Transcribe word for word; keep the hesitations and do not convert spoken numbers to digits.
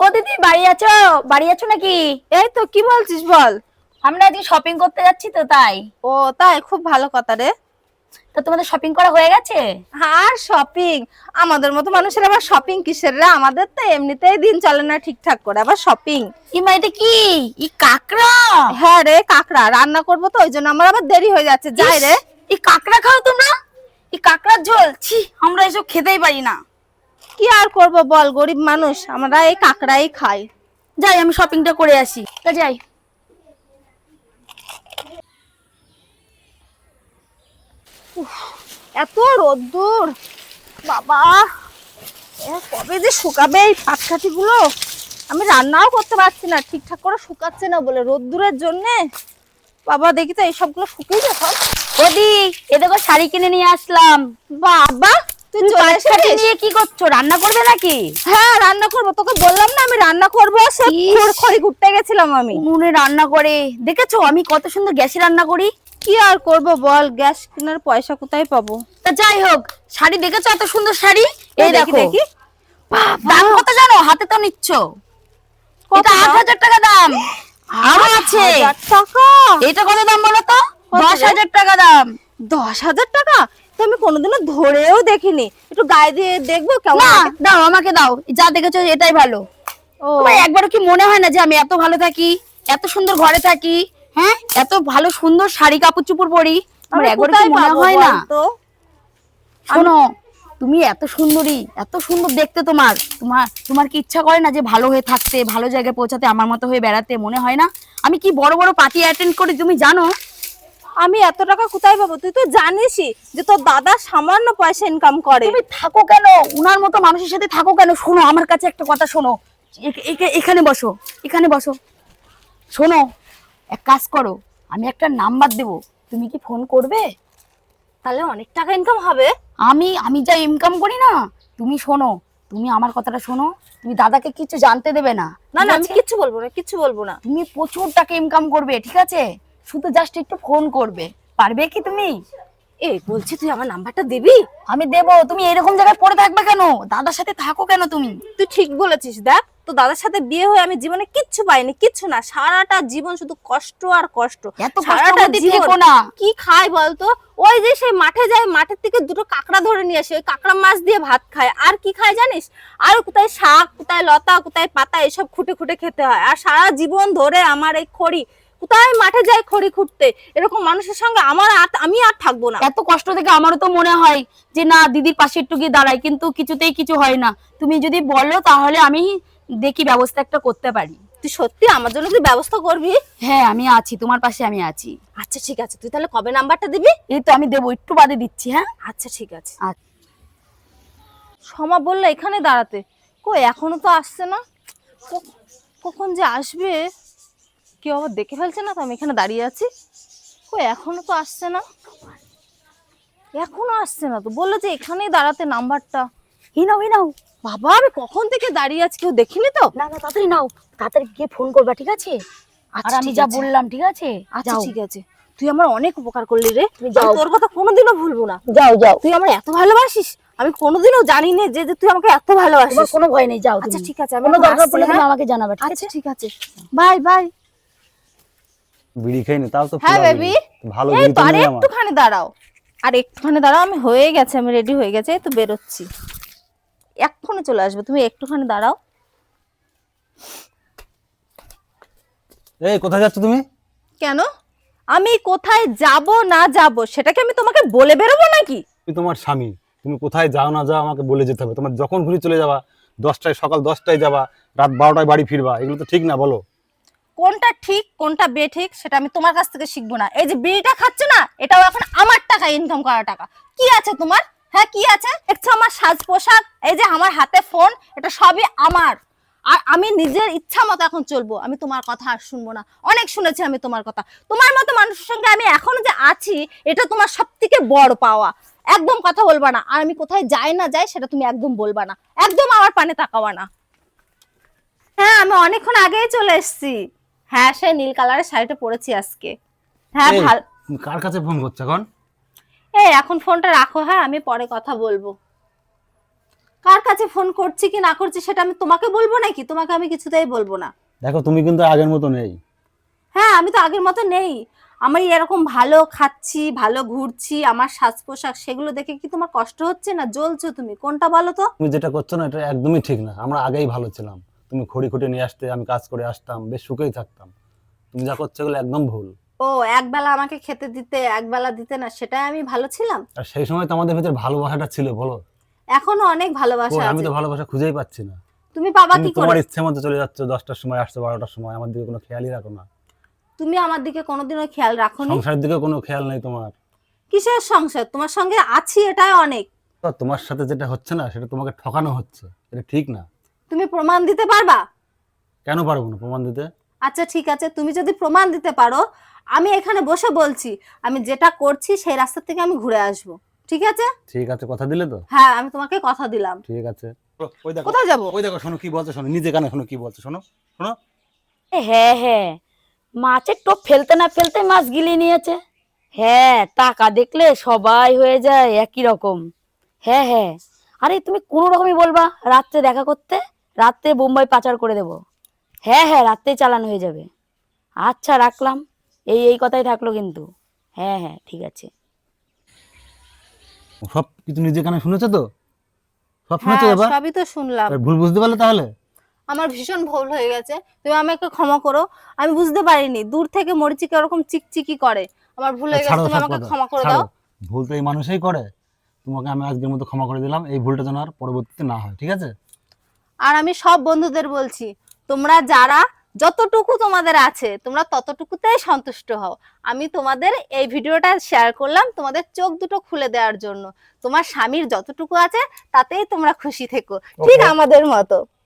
ও দিদি বাড়ি আছো? বাড়ি আছো নাকি? এই তো, কি বলছিস বল। আমরা আজকে শপিং করতে যাচ্ছি তো তাই। ও তাই, খুব ভালো কথা রে। তো তোমাদের শপিং করা হয়ে গেছে? আর শপিং? আমাদের মতো মানুষের আবার শপিং কিসের রে? আমাদের তো এমনিতেই দিন চলে না ঠিকঠাক করে, আবার শপিং? ইমা এটা কি? ই কাকড়া? হ্যাঁ রে, কাকড়া রান্না করবো তো, ওই জন্য আমার আবার দেরি হয়ে যাচ্ছে। যাই রে। এই কাকড়া খাও তোমরা? এই কাকড়ার ঝোল, ছি আমরা এসব খেতেই পারি না। কি আর করব বল, গরিব মানুষ আমরা এই কাকড়াই খাই। যাই আমি শপিংটা করে আসি। তা যাই। এত রোদ্দুর বাবা, এ কবে যে শুকাবে এই পাটকাঠি গুলো। আমি রান্নাও করতে পারছি না, ঠিকঠাক করে শুকাচ্ছে না বলে রোদ্দুরের জন্য। বাবা দেখি তো এইসবগুলো শুকিয়ে গেছে। ওদি এ দেখো শাড়ি কিনে নিয়ে আসলাম। বাবা তুই চলে এসেছিস? নিয়ে কি করছো? রান্না করবে নাকি? হ্যাঁ রান্না করব, তোকে বললাম না আমি রান্না করব। সে খড়খড়ি ঘুরতে গেছিলাম আমি। উনুনে রান্না করে দেখেছো আমি কত সুন্দর গ্যাসে রান্না করি। কি আর করব বল, গ্যাস কেনার পয়সা কোথায় পাবো? তা যাই হোক, শাড়ি দেখেছো এত সুন্দর শাড়ি? এই দেখো। দেখি দাম কত জানো? হাতে তো নিচ্ছ। এটা আট হাজার টাকা দাম। আরো আছে। টাকা? এটা কত দাম বলো তো? দশ হাজার টাকা দাম। দশ হাজার টাকা? তো আমি কোনোদিনও ধরেও দেখিনি। একটু গায়ে দিয়ে দেখবো কেমন। না দাও, আমাকে দাও। যা দেখেছো এটাই ভালো। ও তোমার একবারও কি মনে হয় না যে আমি এত ভালো থাকি, এত সুন্দর ঘরে থাকি, হ্যাঁ এত ভালো সুন্দর শাড়ি কাপড় চোপড় পরি? আমার একবারও কি মনে হয় না? শোনো, তুমি এত সুন্দরী, এত সুন্দর দেখতে তোমার, তোমার তোমার কি ইচ্ছা করে না যে ভালো হয়ে থাকতে, ভালো জায়গায় পৌঁছাতে, আমার মতো হয়ে বেড়াতে? মনে হয় না আমি কি বড় বড় পার্টি অ্যাটেন্ড করি তুমি জানো? আমি এত টাকা কোথায় পাবো? তুই তো জানিসই যে তোর দাদা সামান্য পয়সা ইনকাম করে। তুমি থাকো কেন উনার মতো মানুষের সাথে? থাকো কেন? শোনো আমার কাছে একটা কথা শোনো। এ- এ- এখানে বসো, এখানে বসো। শোনো, এক কাজ করো, আমি একটা নাম্বার দেবো, তুমি কি ফোন করবে? তাহলে অনেক টাকা ইনকাম হবে। আমি আমি যা ইনকাম করি না, তুমি শোনো, তুমি আমার কথাটা শোনো। তুমি দাদাকে কিছু জানতে দেবে না। না ঠিক না, আমি আছে? কিচ্ছু বলবো না, কিচ্ছু বলবো না। তুমি প্রচুর টাকা ইনকাম করবে, ঠিক আছে? শুধু জাস্ট একটু ফোন করবে। পারবে কি তুমি? এই বলছি, তুই আমার নাম্বারটা দিবি? আমি দেবো। তুমি এরকম জায়গায় পড়ে থাকবে কেন? দাদার সাথে থাকো কেন তুমি? তুই ঠিক বলেছিস। দেখ, তো দাদার সাথে বিয়ে হয়ে আমি জীবনে কিচ্ছু পাইনি, কিচ্ছু না। সারাটা জীবন শুধু কষ্ট আর কষ্ট। এত কষ্ট সারাটা করতে জীবন থেকো না। কি খাই বলতো? ওই যে সেই মাঠে যায়, মাঠের থেকে দুটো কাঁকড়া ধরে নিয়ে আসে, ওই কাঁকড়া মাছ দিয়ে ভাত খায়। আর কি খায় জানিস? আর কোথায় শাক, কোথায় লতা, কোথায় পাতা, এসব খুঁটে খুঁটে খেতে হয়। আর সারা জীবন ধরে আমার এই খড়ি, কোথায় মাঠে যায় খড়ি খুঁটতে। এরকম মানুষের সঙ্গে আমার আর- আমি আর থাকবো না। এত কষ্ট থেকে আমারও তো মনে হয় যে না দিদির পাশে একটু গিয়ে দাঁড়াই, কিন্তু কিছুতেই কিছু হয় না। তুমি যদি বলো তাহলে আমি দেখি ব্যবস্থা একটা করতে পারি। তুই সত্যি আমার জন্য তুই ব্যবস্থা করবি? হ্যাঁ আমি আছি, তোমার পাশে আমি আছি। আচ্ছা ঠিক আছে, তুই তাহলে কবে নাম্বারটা দিবি? এই তো আমি দেবো, একটু বাদে দিচ্ছি। হ্যাঁ আচ্ছা ঠিক আছে। আচ্ছা। সমা বললো এখানে দাঁড়াতে, কই এখনো তো আসছে না। ক- কখন যে আসবে? কেউ আবার দেখে ফেলছে না তো আমি এখানে দাঁড়িয়ে আছি? কই এখনো তো আসছে না, এখনো আসছে না তো। বললো যে এখানেই দাঁড়াতে নাম্বারটা। এই নাও, এই নাও। বাবা আমি কখন থেকে দাঁড়িয়ে আছি, কেউ দেখিনি তো? না না তাড়াতাড়ি নাও, তাড়াতাড়ি গিয়ে ফোন করবা, ঠিক আছে? আর আচ্ছা আমি ঠিক যা আছে। বললাম, ঠিক আছে? আচ্ছা যাও। ঠিক আছে। তুই আমার অনেক উপকার করলি রে। তুমি যাও। আমি তোর কথা কোনোদিনও ভুলবো না। যাও যাও। তুই আমার এত ভালোবাসিস, আমি কোনোদিনও জানি না যে যে তুই আমাকে এত তোমার ভালোবাসিস। কোনো ভয় নেই, যাও আচ্ছা তুমি। ঠিক আছে, আমি কোনো এখন দরকার আসছি, পড়লে তুমি হ্যাঁ? আমাকে জানাবে, ঠিক আচ্ছা আছে? ঠিক আছে, বাই বাই। বিড়ি খাইনি তাও তো হ্যাঁ ফুলা বেবি, বিড়ি। ভালো এই বিড়ি তো তো আর নেই আমার। একটুখানি দাঁড়াও, আর একটুখানি দাঁড়াও। আমি হয়ে গেছে, আমি রেডি হয়ে গেছে, এই তো বেরোচ্ছি, এক্ষুনি চলে আসবে। তুমি একটুখানি দাঁড়াও। এই কোথায় যাচ্ছ তুমি? কেন? আমি কোথায় যাব না যাব সেটা কি আমি তোমাকে বলে বেরোবো নাকি? তুমি তোমার স্বামী, তুমি কোথায় যাও না যাও আমাকে বলে যেতে হবে। তোমার যখন ঘুরে চলে যাবা, দশটায় সকাল দশটায় যাবা, রাত বারোটায় বাড়ি ফিরবা, এগুলো তো ঠিক না বলো? কোনটা ঠিক কোনটা বেঠিক সেটা আমি তোমার কাছ থেকে শিখবো না। এই যে বিড়িটা খাচ্ছ না, এটাও এখন আমার টাকা, ইনকাম করা টাকা। কি আছে তোমার? হ্যাঁ কি আছে? দেখছো আমার সাজ পোশাক, এই যে আমার হাতে ফোন, এটা সবই আমার। আর আমি নিজের ইচ্ছা মতো এখন চলবো, আমি তোমার কথা আর শুনবো না। অনেক শুনেছি আমি তোমার কথা। তোমার মতো মানুষের সঙ্গে আমি এখনো যে আছি, এটা তোমার সব থেকে বড় পাওয়া। একদম কথা বলবা না। আর আমি কোথায় যাই না যাই সেটা তুমি একদম বলবা না, একদম আমার পানে তাকাবা না। হ্যাঁ আমি অনেকক্ষণ আগেই চলে এসেছি। হ্যাঁ সে নীল কালারের শাড়িটা পরেছি আজকে। হ্যাঁ এই, ভাল। তুমি কার কাছে ফোন করছো এখন? এই এখন ফোনটা রাখো, হ্যাঁ আমি পরে কথা বলবো। কার কাছে ফোন করছি কি না করছি সেটা আমি তোমাকে বলবো নাকি? তোমাকে আমি কিছুতেই বলবো না। দেখো তুমি কিন্তু আগের মতো নেই। হ্যাঁ, আমি তো আগের মতো নেই। আমি এরকম ভালো খাচ্ছি, ভালো ঘুরছি, আমার সাজ পোশাক সেগুলো দেখে কি তোমার কষ্ট হচ্ছে না? জ্বলছো তুমি, কোনটা বলো তো? তুমি যেটা করছো না এটা একদমই ঠিক না। আমরা আগেই ভালো ছিলাম, তুমি খড়ি খুঁটে নিয়ে আসতে, আমি কাজ করে আসতাম, বেশ সুখেই থাকতাম। তুমি যা করছো এগুলো একদম ভুল। ও একবেলা আমাকে খেতে দিতে, একবেলা দিতে না, সেটাই আমি ভালো ছিলাম? আর সেই সময় তো আমাদের ভিতরে ভালোবাসাটা ছিল, বলো? এখনো অনেক ভালোবাসা কই, আমি আছে। তো ভালোবাসা খুঁজেই পাচ্ছি না। তুমি পাবা তুমি কি তোমার করে? ইচ্ছে মতো চলে যাচ্ছ, দশটার সময় আসছো, বারোটার সময়, আমার দিকে কোনো খেয়ালই রাখো না। তুমি আমার দিকে কোনোদিনও খেয়াল রাখোনি। সংসারের দিকে কোনো খেয়াল নেই তোমার। কিসের সংসার? তোমার সঙ্গে আছি এটাই অনেক। তো তোমার সাথে যেটা হচ্ছে না সেটা তোমাকে ঠকানো হচ্ছে, এটা ঠিক না। তুমি প্রমাণ দিতে পারবা? কেন পারবো না প্রমাণ দিতে? আচ্ছা ঠিক আছে, তুমি যদি প্রমাণ দিতে পারো, আমি এখানে বসে বলছি আমি যেটা করছি সেই রাস্তা থেকে আমি ঘুরে আসবো, ঠিক আছে? ঠিক আছে, কথা দিলে তো? হ্যাঁ, আমি তোমাকে কথা দিলাম। ঠিক আছে। ওই দেখো, কোথায় যাবো? ওই দেখো, শোনো কি বলছে, শোনো নিজে কানে শোনো কি বলছে, শোনো শোনো। এ হ্যাঁ হ্যাঁ, মাছের টোপ ফেলতে না ফেলতে মাছ গিলে নিয়েছে। হ্যাঁ, টাকা দেখলে সবাই হয়ে যায় একই রকম। হ্যাঁ হ্যাঁ, আরে তুমি কোনো রকমই বলবা রাত্রে দেখা করতে, রাত্রে বোম্বাই পাচার করে দেব। হ্যাঁ হ্যাঁ, রাত্রেই চালান হয়ে যাবে। আচ্ছা রাখলাম, এই এই কথাই থাকলো কিন্তু। হ্যাঁ হ্যাঁ ঠিক আছে। সব কিছু নিজে কানে শুনেছো তো? সব হ্যাঁ, শুনেছো এবার? সবই তো শুনলাম। এবার ভুল বুঝতে পারলে তাহলে? আমার ভীষণ ভুল হয়ে গেছে, তুমি আমাকে ক্ষমা করো। আমি বুঝতে পারিনি দূর থেকে মরিচিকা ওরকম চিকচিকি করে। আমার ভুল হয়ে গেছে, ছাড়ো তুমি সব আমাকে কথা, ক্ষমা করে ছাড়ো। দাও। ভুল তো এই মানুষই করে। তোমাকে আমি আজকের মতো ক্ষমা করে দিলাম, এই ভুলটা যেন আর পরবর্তীতে না হয়, ঠিক আছে? আর আমি সব বন্ধুদের বলছি, তোমরা যারা যতটুকু তোমাদের আছে তোমরা ততটুকুতেই সন্তুষ্ট হও। আমি তোমাদের এই ভিডিওটা শেয়ার করলাম তোমাদের চোখ দুটো খুলে দেওয়ার জন্য। তোমার স্বামীর যতটুকু আছে তাতেই তোমরা খুশি থেকো, ঠিক Okay. আমাদের মতো।